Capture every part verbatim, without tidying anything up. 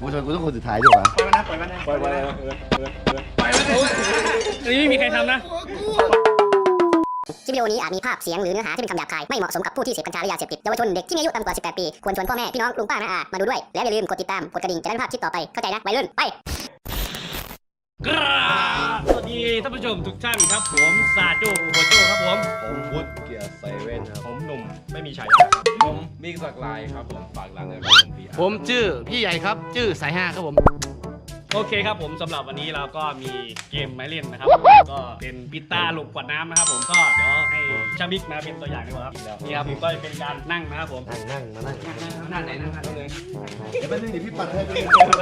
กูทำไมกูต้องคนสุดท้ายด้วยวะปล่อยมันนะปล่อยมันนะปล่อยมันนะปล่อยมันนะนี่ไม่มีใครทำนะคลิปวิดีโอนี้อาจมีภาพเสียงหรือเนื้อหาที่เป็นคำหยาบคายไม่เหมาะสมกับผู้ที่เสพกัญชาหรือยาเสพติดเยาวชนเด็กที่มีอายุต่ำกว่าสิบแปดปีควรชวนพ่อแม่พี่น้องลุงป้าน้าอามาดูด้วยแล้วอย่าลืมกดติดตามกดกระดิ่งจะได้ไม่พลาดคลิปต่อไปเข้าใจนะวัยรุ่นไปกราบสวัสดีท่านผู้ชมทุกท่านครับผมซาโจ้โบโจ้ครับผมผมพุทธเกียร์ไซเว่นครับผมหนุ่มไม่มีฉายาครับผมบิ๊กสักลายครับผมฝากร้านเลยผมพี่อาร์ผมชื่อพี่ใหญ่ครับชื่อสายห้าครับผมโอเคครับผมสำหรับวันนี้เราก็มีเกมมาเล่นนะครับก็เป็นปิต้าหลบกวดน้ำนะครับผมก็เดี๋ยวให้ชาบิกมาเป็นตัวอย่างดีกว่าครับนี่ครับก็เป็นการนั่งนะครับผมนั่งนั่งมานั่งนั่งไหนนั่งนั่งเลยเดี๋ยวแป๊บนึงเดี๋ยวพี่ปัดให้ไป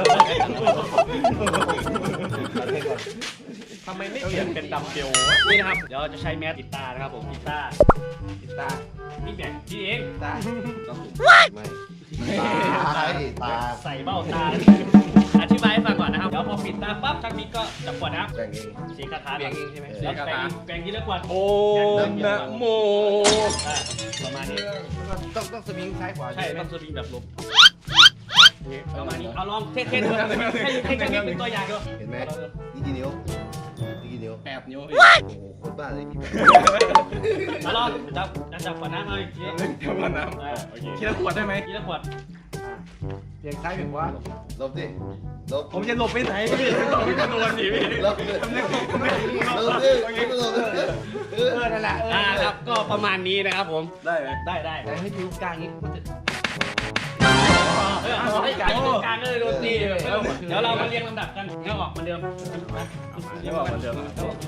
ทำไมไม่เปลี่ยนเป็นดัมเบลนี่นะครับเดี๋ยวจะใช้แมสปิต้านะครับผมปิต้าปิต้าพี่แบกพี่เองตาไม่ตาตาใส่เบ้าตาอธิบายให้ฟังก่อนนะครับเดี๋ยวพอปิดตาปั๊บชาบิกก็จับขวดน้ำแบ่งเองเสียคาถาเบียงเองใช่ไหมเสียคาถาแบ่งทีละขวดโอ้นะโมประมาณนี้ต้องต้องสวิงซ้ายขวาใช่ต้องสวิงแบบลบประมาณนี้เอาลองเท่ๆดูให้ให้ชาบิกเป็นตัวอย่างดูเห็นไหมนี่กี่นิ้วนี่กี่นิ้วแปดนิ้วโอ้โหโคตรบ้าเลยพี่มาลองจับจับขวดน้ำหน่อยเดี๋ยวก่อนนะทีละขวดได้ไหมทีละขวดเพียงซ้ายเพียงขวาลบดิลบผมจะหลบไปไหนพี่พี่จะโดนสิพี่ลบดิลบดิลบดิลบดิเออนั่นแหละเอออ่าครับก็ประมาณนี้นะครับผมได้ไหมได้ได้แต่ให้ผิวกลางนี้ก็จะเออเอาให้กลางตรงกลางเลยโดนตีเดี๋ยวเรามาเรียงลำดับกันเงี้ยออกเหมือนเดิมเรียกว่าเหมือนเดิม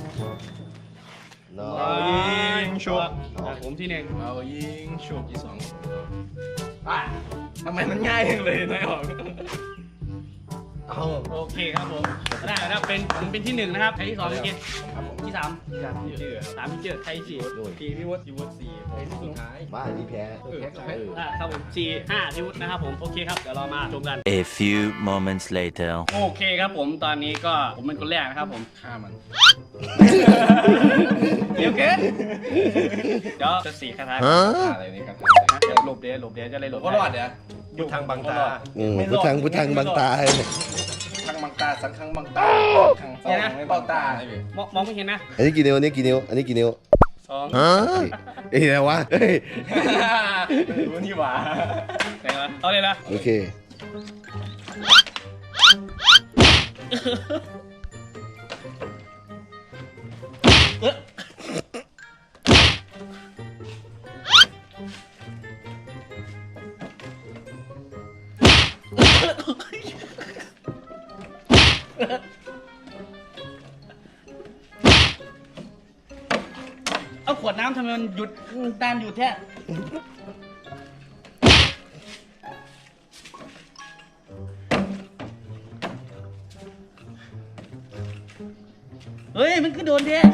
น้อเอายยิงชุบผมที่หนึ่งเอายิงชุบที่สองอ่ะทำไมมันง่ายจังเลยนายออกเอาโอเคครับผมได้แล้วเป็นผมเป็นที่หนึ่งนะครับใครที่สองเป็นที่สามชื่อสามที่เจอใครสี่สี่พี่วุฒิพี่วุฒิสี่สุดท้ายบ้าอันนี้แพ้อ่ะครับผมสี่ห้าที่วุฒินะครับผมโอเคครับเดี๋ยวเรามาชมกัน A few moments later โอเคครับผมตอนนี้ก็ผมเป็นคนแรกนะครับผมฆ่ามันเดี๋ยวเกินเดี๋ยวจะสี่คาถาฮะฆ่าอะไรนี่ครับเดี๋ยวหลบเดี๋ยวหลบเดี๋ยวจะเลยหลบก็รอดเดี๋ยวยุดทางบังตาอืมพุทธังพุทธังบังตาให้ทางบังตาสังขังบังตาขังสองไม่เบ้าตามองมองไม่เห็นนะอันนี้กี่นิ้วอันนี้กี่นิ้วอันนี้กี่นิ้วสองฮะเอ้ยอะไรวะเฮ้ยรู้นี่หว่าไหนวะเอาเลยละโอเคเอาขวดน้ำทำไมมันหยุดตามหยุดแท้เฮ้ยมันคือโดนแท้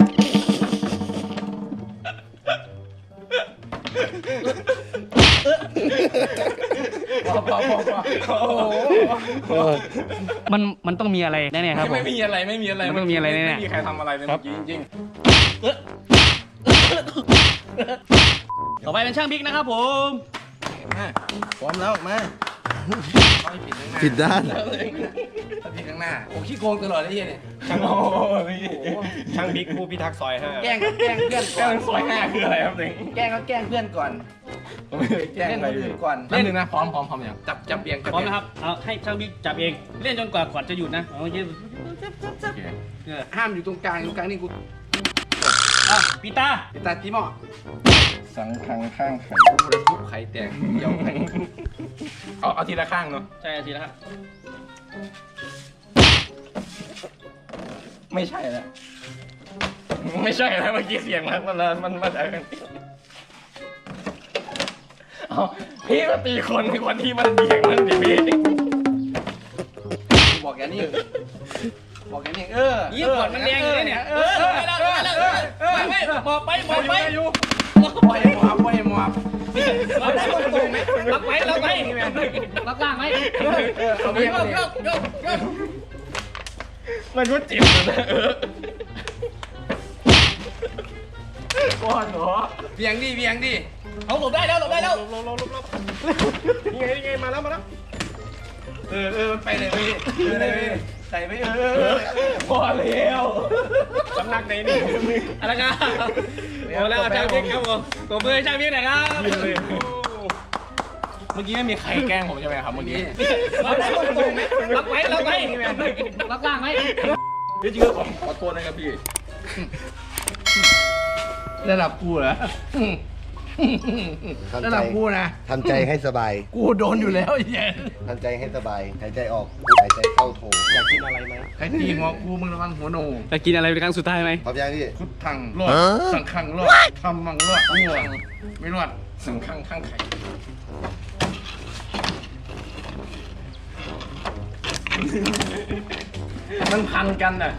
พอพอพอพอโอ้โหมันมันต้องมีอะไรแน่ๆครับผมไม่มีอะไรไม่มีอะไรมันต้องมีอะไรแน่ๆไม่มีใครทำอะไรเลยเมื่อกี้จริงต่อไปเป็นช่างบิ๊กนะครับผมๆมาพร้อมแล้วมาต้องปิดข้างหน้าผิดด้านถ้าปิดข้างหน้าโอ้ขี้โกงตลอดเลยเนี่ยช่างโอ้ช่างบิ๊กผู้พิทักษ์ซอยห้าแกล้งแกล้งเพื่อนแกก่ล้อนงซอยห้าคืออะไรครับเด็กแกล้งก็แกล้งเพื่อนก่อนแกล้งเล่นอะไรคนอื่นก่อนเล่นหนึ่งนะพร้อมพร้อมพร้อมอย่างจับจับเบียงจับพร้อมเบียงนะครับเอาให้ช่างบิ๊กจับเองเล่นจนกว่าขวดจะหยุดนะเอาเยอะโอเคเออห้ามอยู่ตรงกลางตรงกลางนี่กูอ่ะปีตาตาตีหม้อสังคังข้างไข่กูจะทุบไข่แตกเดี่ยวไข่เอาเอาทีละข้างเนาะใช่ทีแล้วครับไม่ใช่แล้วไม่ใช่แล้วเมื่อกี้เสียงมันมันมันมาจากกันเอาพี่ก็ตีคนในคนที่มันเบียงมันดิพี่บอกแกนี่บอกแกนี่เออยี่ขวดมันแดงอยู่เลยเนี่ยเออไปแล้วไปแล้วไม่ไม่หมอบไปหมอบไปอยู่ปล่อยหมอบปล่อยหมอบล็อกไว้ล็อกไว้ล็อกไว้ล็อกล่างไว้เอาโยเบี้ยกโยกโยกโยกมันก็จิบนะเออก้อนเหรอเบียงดิเบียงดิเอาหลบได้แล้วหลบได้แล้วลบลบลบลบนี่ไงนี่ไงมาแล้วมาแล้วเออเออไปเลยพี่เออเลยใส่ไปเออพอแล้วสำนักไหนนี่อะไรกันโอ้แล้วช่างบิ๊กครับผมตัวมือช่างบิ๊กหน่อยครับเมื่อกี้ไม่มีใครแกล้งผมใช่ไหมครับเมื่อกี้ล็อกไว้ล็อกไว้ล็อกล่างไว้พี่ชื่อผมขอโทษนะครับพี่ระดับกูเหรอระดับกูนะทำใจให้สบายกูโดนอยู่แล้วไอ้เหี้ยทำใจให้สบายหายใจออกหายใจเข้าโถอยากกินอะไรไหมใครตีหัวกูมึงระวังหัวโนจะกินอะไรเป็นครั้งสุดท้ายไหมพร้อมยังพี่พุทธังรอดสังขังรอดทำมังรอดง่วงไม่รอดสังข้างข้างไข่มันพันกันน่ะ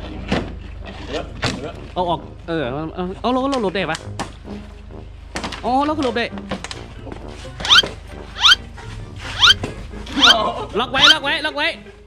เอาออกเออเอาเอาเราเราหลบได้ปะอ๋อเราก็หลบได้ล็อกไว้ล็อกไว้ล็อกไว้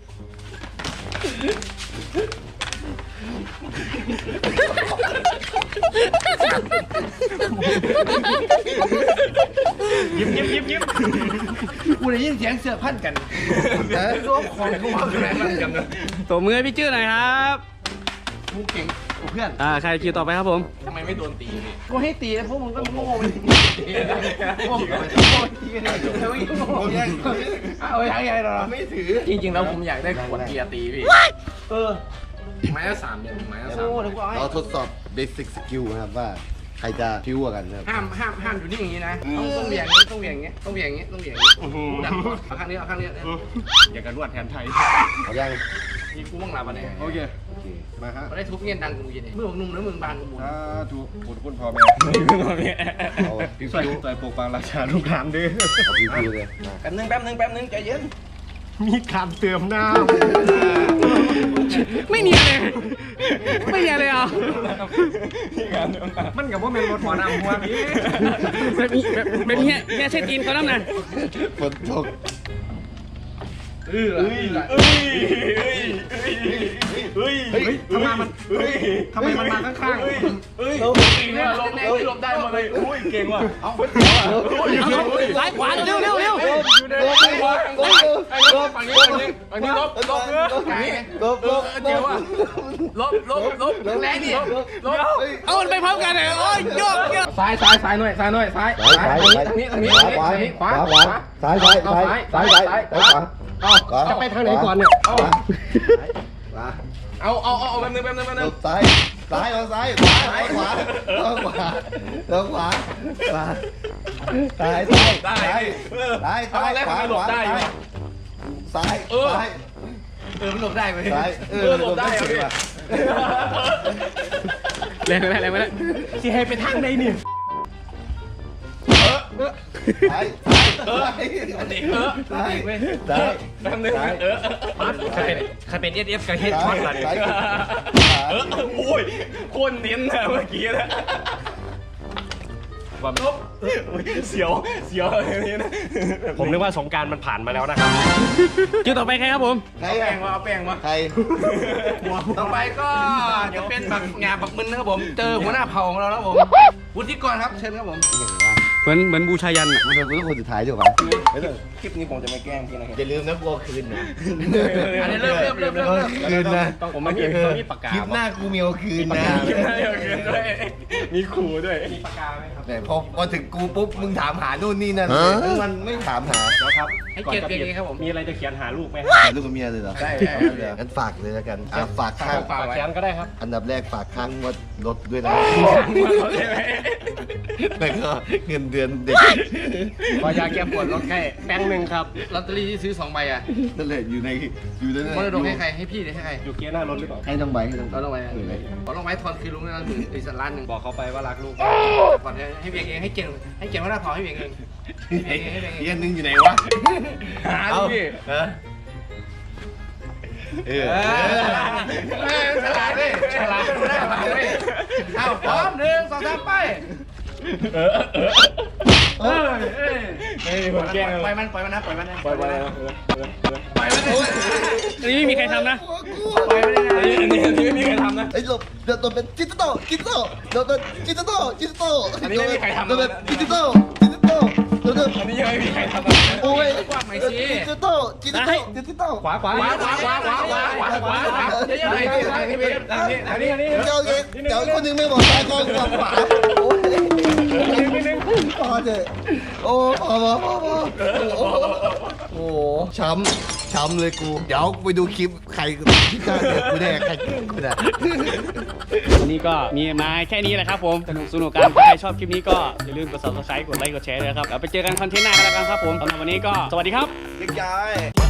ยิ้มยิ้มยิ้มยิ้มกูได้ยินเสียงเสือพันกันนะรวมของกูมาเป็นพันกันนะตัวมือให้พี่จื้อหน่อยครับกูเก่งกูเพื่อนอ่าใครคิวต่อไปครับผมทำไมไม่โดนตีพี่กูให้ตีแล้วพวกมึงก็โง่ไปตีพวกมึงก็โง่ตีกันเลยเอาไว้ยังไงหรอไม่ถือจริงๆแล้วผมอยากได้ขวดเกียร์ตีพี่เออไม้ละสามเดือนไม้ละสามโง่เดี๋ยวกูเอาให้เราทดสอบ basic skill นะครับว่าใครจะพิ้วกว่ากันนะครับห้ามห้ามห้ามอยู่นี่อย่างนี้นะต้องต้องเบี่ยงนี้ต้องเบี่ยงนี้ต้องเบี่ยงนี้ต้องเบี่ยงนี้ดันเอาข้างนี้เอาข้างนี้อยากกระนวดแทนไทยพร้อมยังนี่กูมั่งลาบันไหนโอเคโอเคมาครับมาได้ทุบเงี้ยดังกูยินเมื่อผมนุ่มแล้วมึงบานกูบุญถ้าถูกคุณคุณพอไหมเอาพิ้วใส่พิ้วใส่ปกปังราชาลูกหลานด้วยเอาพิ้วพิ้วเลยมาแป๊บนึงแป๊บนึงแป๊บนึงใจเย็นมีการเติมน้ไม่เนียนเลยไม่เนียนเลยอ่ะำมันกับว่าเป็นรถหมอนำหัวพี่แบบนี้แบบแบบนี้เนี่ยเช็ดกินเขาน้ำหนักฝนตกเออเออเฮ้ยเฮ้ยเฮ้ยทำไมมันเฮ้ยทำไมมันมาข้างๆเฮ้ยเฮ้ยลบเนี่ยลบเนี่ยลบได้หมดเลยอุ้ยเก่งว่ะเอาเอาซ้ายขวาเร็วเร็วเร็วอยู่ในรถลบลบฝั่งนี้ฝั่งนี้ฝั่งนี้ลบลบเนื้อไก่ลบลบเดี๋ยวอ่ะลบลบลบแรงดิลบเอามันไปพร้อมกันเลยโอ้ยโยกโยกซ้ายซ้ายซ้ายหน่อยซ้ายหน่อยซ้ายซ้ายซ้ายทางนี้ทางนี้ขวาขวาขวาขวาซ้ายซ้ายซ้ายซ้ายซ้ายซ้ายขวาเอาจะไปทางไหนก่อนเนี่ยเอาขวาเอาเอาเอาเอาแป๊บนึงแป๊บนึงแป๊บหลนึงบซ้ายซ้ายเอาซ้ายขวาซ้ายขวาเอาขวาเอาขวาขวาซ้ายซ้ายซ้ายซ้ายซ้ายขวาขวาซ้ายซ้ายซ้ายเออมันหลบได้ไหมซ้ายเออหลบได้สิว่ะแรงไปแล้วแรงไปแล้วที่ให้ไปทางไหนนี่ซ้ายซ้ายซ้ายซ้ายซ้ายแป๊บนึงเออใครใครเป็นเอสเอฟกับเฮดช็อตล่ะเนี่ยเออโอ้ยคนเน้นนะเมื่อกี้นะว่าลบเสียวเสียวอะไรนี้นะผมนึกว่าสงการมันผ่านมาแล้วนะครับคิวต่อไปใครครับผมใครแป้อะงมาเอาแป้งมาใครต่อไปก็จะเป็นบักงาบักมึนนะครับผมเจอหัวหน้าเผ่าของเราแล้วผมวุฒิกรครับเชิญครับผมเหมือนเหมือนบูชายันอ่ะมันเป็นคนสุดท้ายดีกว่าไม่ต้องคลิปนี้ผมจะไม่แกล้งพี่นะครับอย่าลืมนะกลัวคืนนะอันนี้เริ่มเริ่มเริ่มเริ่มเริ่มคืนนะต้องผมไม่มีต้องมีปากกาคลิปหน้ากูมีเอาคืนนะมีครูด้วยมีปากกาไหมครับแต่พอพอถึงกูปุ๊บมึงถามหานู่นนี่นั่นมันไม่ถามหาแล้วครับให้เกียรติเกียรติครับผมมีอะไรจะเขียนหาลูกไหมหาลูกกับเมียเลยเหรอได้งั้นฝากเลยแล้วกันอ่ะฝากข้างฝากไว้เขียนก็ได้ครับอันดับแรกฝากข้างว่ารถด้วยนะแล้วก็เงินเดือนเด็กขอยาแก้ปวดลดแค่แป้งหนึ่งครับลอตเตอรี่ที่ซื้อสองใบอ่ะนั่นแหละอยู่ในอยู่ในมรดกให้ใครให้พี่หรือให้ใครอยู่เกียร์หน้ารถหรือเปล่าให้ต้องใบให้ต้องใบเราลงไปขอลงไว้ทอนคือลุงนะหมื่นอีกสักล้านหนึ่งบอกเขาไปว่ารักลูกก่อนให้เบียงเองให้เก่งให้เก่งว่าหน้าเผาให้เบียงเองให้เบียงเองให้เบียงเองเฮียนึงอยู่ไหนวะหาดิพี่เออเออเออฉลาดดิฉลาดหน้าเผาดิเอาพร้อมหนึ่งสองสามไปเออเออเออเออเฮ้ยผมแกล้งปล่อยมันปล่อยมันนะปล่อยมันนะปล่อยไปแล้วปล่อยมันนะอันนี้ไม่มีใครทำนะปล่อยมันนะอันนี้อันนี้อันนี้ไม่มีใครทำนะไอ้หลบเดี๋ยวตัวเป็นจิตโตจิตโตเดี๋ยวตัวจิตโตจิตโตอันนี้ไม่มีใครทำนะตัวเป็นจิตโตจิตโตดูดูอันนี้ยังไม่มีใครทำอะไรโอ้ยกว้างหน่อยสิดิจิตอลดิจิตอลดิจิตอลขวาขวาขวาขวาขวาขวาขวาขวาขวาขวาเดี๋ยวๆหน่อยเดี๋ยวๆหน่อยพี่เบสอันนี้อันนี้อันนี้เจ้าเองเจ้าคนนึงไม่บอกตายกองขวาขวาโอ้ยพอเถอะโอ้พอพอพอพอโอ้โหช้ำช้ำเลยกูเดี๋ยวไปดูคลิปใครที่กล้าเดือดกูแน่ใครกูแน่วันนี้ก็มีมาแค่นี้แหละครับผมสนุกสนุกกันถ้าใครชอบคลิปนี้ก็อย่าลืมกด ซับสไครบ์ กดไลค์กดแชร์ด้วยครับแล้วไปเจอกันคอนเทนต์หน้ากันแล้วกันครับผมสำหรับวันนี้ก็สวัสดีครับเล็กย้าย